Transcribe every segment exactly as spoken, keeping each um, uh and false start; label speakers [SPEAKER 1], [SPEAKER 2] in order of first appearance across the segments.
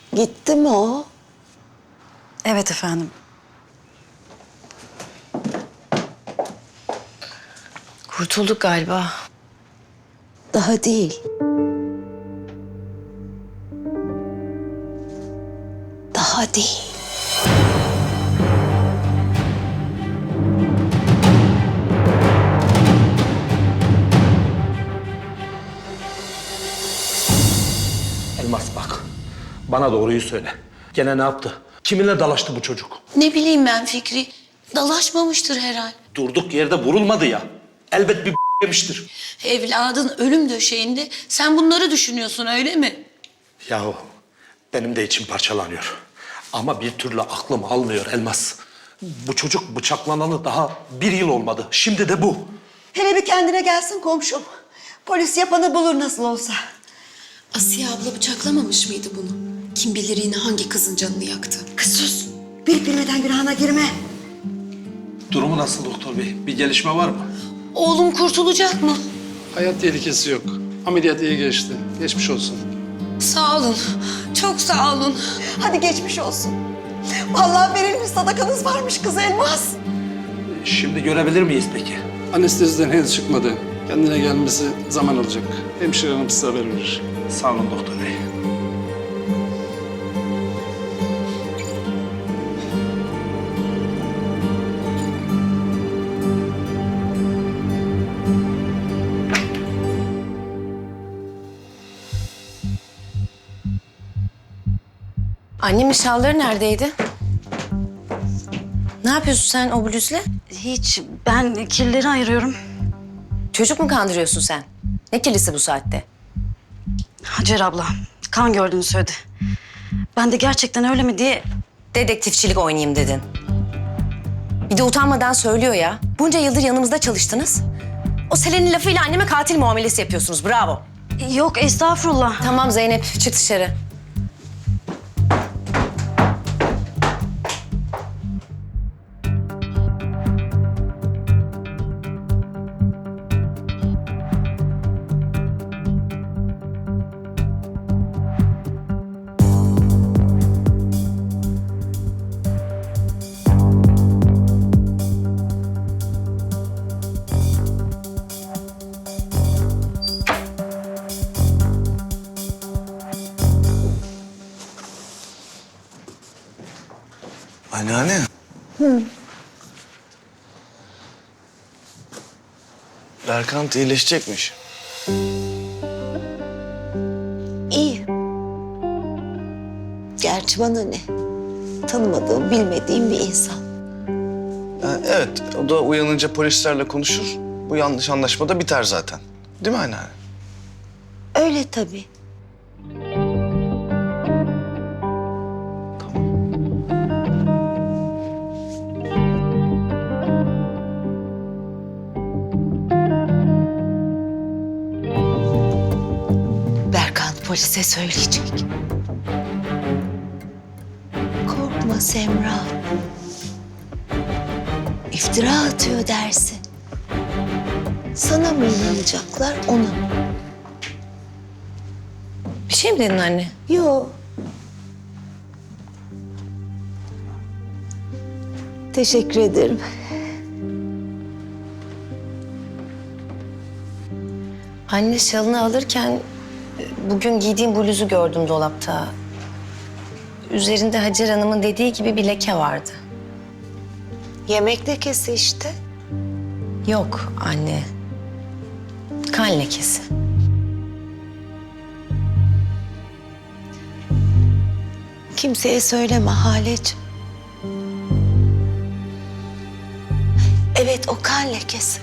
[SPEAKER 1] Gitti mi o?
[SPEAKER 2] Evet efendim. Kurtulduk galiba.
[SPEAKER 1] Daha değil. Daha değil.
[SPEAKER 3] Elmas bak, bana doğruyu söyle. Gene ne yaptı? Kiminle dalaştı bu çocuk?
[SPEAKER 4] Ne bileyim ben Fikri. Dalaşmamıştır herhal.
[SPEAKER 3] Durduk yerde vurulmadı ya. Elbet bir yemiştir.
[SPEAKER 4] Evladın ölüm döşeğinde sen bunları düşünüyorsun öyle mi?
[SPEAKER 3] Yahu benim de içim parçalanıyor. Ama bir türlü aklım almıyor Elmas. Bu çocuk bıçaklanalı daha bir yıl olmadı. Şimdi de bu.
[SPEAKER 5] Hele bir kendine gelsin komşum. Polis yapanı bulur nasıl olsa.
[SPEAKER 6] Asiye abla bıçaklamamış mıydı bunu? Kim bilir yine hangi kızın canını yaktı?
[SPEAKER 5] Kız sus. Bilip bilmeden günahına girme.
[SPEAKER 3] Durumu nasıl doktor bey? Bir gelişme var mı?
[SPEAKER 4] Oğlum kurtulacak mı?
[SPEAKER 7] Hayat tehlikesi yok. Ameliyat iyi geçti. Geçmiş olsun.
[SPEAKER 4] Sağ olun. Çok sağ olun.
[SPEAKER 5] Hadi geçmiş olsun. Vallahi verilmiş sadakanız varmış kız Elmas.
[SPEAKER 3] Şimdi görebilir miyiz peki?
[SPEAKER 7] Anesteziden henüz çıkmadı. Kendine gelmesi zaman alacak. Hemşire hanım size haber verir.
[SPEAKER 3] Sağ olun doktor bey.
[SPEAKER 2] Annemin şalları neredeydi? Ne yapıyorsun sen o bluzla?
[SPEAKER 8] Hiç. Ben kirleri ayırıyorum.
[SPEAKER 2] Çocuk mu kandırıyorsun sen? Ne kirlisi bu saatte?
[SPEAKER 8] Hacer abla kan gördüğünü söyledi. Ben de gerçekten öyle mi diye...
[SPEAKER 2] Dedektifçilik oynayayım dedin. Bir de utanmadan söylüyor ya. Bunca yıldır yanımızda çalıştınız. O Selen'in lafıyla anneme katil muamelesi yapıyorsunuz. Bravo.
[SPEAKER 8] Yok estağfurullah.
[SPEAKER 2] Tamam Zeynep, çık dışarı.
[SPEAKER 9] Anneanne. Hı. Berkant iyileşecekmiş.
[SPEAKER 1] İyi. Gerçi bana ne? Tanımadığım, bilmediğim bir insan.
[SPEAKER 9] Ha, evet, o da uyanınca polislerle konuşur. Bu yanlış anlaşma da biter zaten. Değil mi anneanne?
[SPEAKER 1] Öyle tabii. Berkant polise söyleyecek. Korkma Semra. İftira atıyor dersin. Sana mı inanacaklar, ona mı?
[SPEAKER 2] Bir şey mi dedin anne?
[SPEAKER 1] Yo. Teşekkür ederim.
[SPEAKER 2] Anne şalını alırken bugün giydiğim bluzu gördüm dolapta. Üzerinde Hacer Hanım'ın dediği gibi bir leke vardı.
[SPEAKER 1] Yemek lekesi işte.
[SPEAKER 2] Yok anne. Kan lekesi.
[SPEAKER 1] Kimseye söyleme Haleciğim. Evet, o kan lekesi.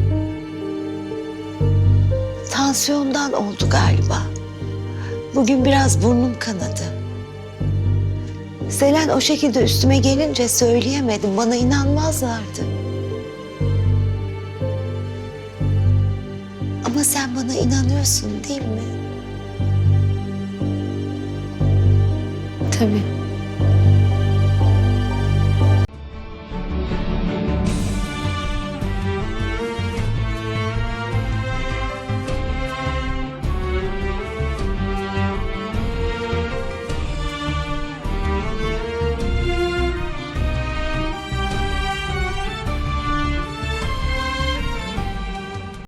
[SPEAKER 1] Tansiyondan oldu galiba. Bugün biraz burnum kanadı. Selen o şekilde üstüme gelince söyleyemedim. Bana inanmazlardı. Ama sen bana inanıyorsun değil mi?
[SPEAKER 2] Tabii.